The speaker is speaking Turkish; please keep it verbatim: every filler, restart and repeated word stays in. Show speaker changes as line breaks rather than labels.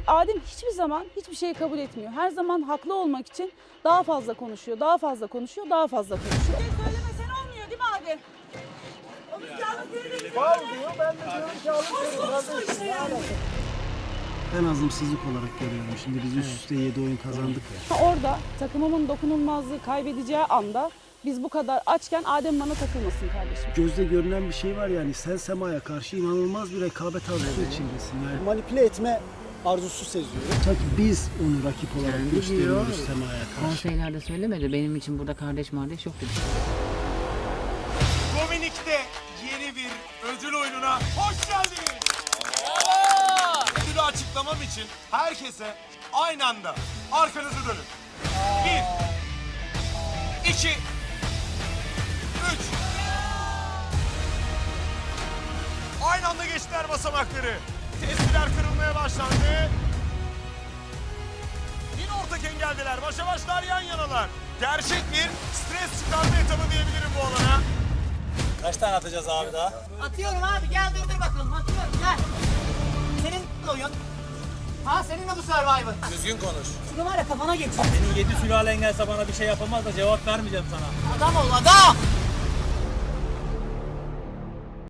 Adem hiçbir zaman hiçbir şeyi kabul etmiyor. Her zaman haklı olmak için daha fazla konuşuyor, daha fazla konuşuyor, daha fazla konuşuyor. Bir şey söylemesen olmuyor değil mi Adem? Onun kağıdı
Faul diyor, ben de diyorum ki alın seni. Ben azımsızlık olarak görüyorum. Şimdi biz üst üste yedi oyun kazandık ya.
Orada takımımın dokunulmazlığı kaybedeceği anda biz bu kadar açken Adem bana takılmasın kardeşim.
Gözde görünen bir şey var yani, sen Sema'ya karşı inanılmaz bir rekabet arzusu içindesin yani. Manipüle etme arzusu seziyorum. Sanki biz onu rakip olarak
Yani
gösteriyoruz
diyor,
Sema'ya karşı.
Konseylerde söylemedi. Benim için burada kardeş kardeş yok dedi.
Dominik'te yeni bir ödül oyununa hoş geldiniz. Ödülü açıklamam için herkese aynı anda arkanızı dönün. Bir, iki, üç. Aynı anda geçtiler basamakları. Testiler kırılmaya başlandı. Yine ortak engeldeler. Başa başlar, yan yanalar. Gerçek bir stres çıkarma etabı diyebilirim bu alana.
Kaç tane atacağız abi daha?
Atıyorum abi, gel durdur bakalım, atıyorum gel. Senin oyun. Ha senin de bu Survivor.
Düzgün konuş.
Şunu var ya kafana geç.
Senin yedi sülalen gelse bana bir şey yapamaz da cevap vermeyeceğim sana.
Adam ol adam.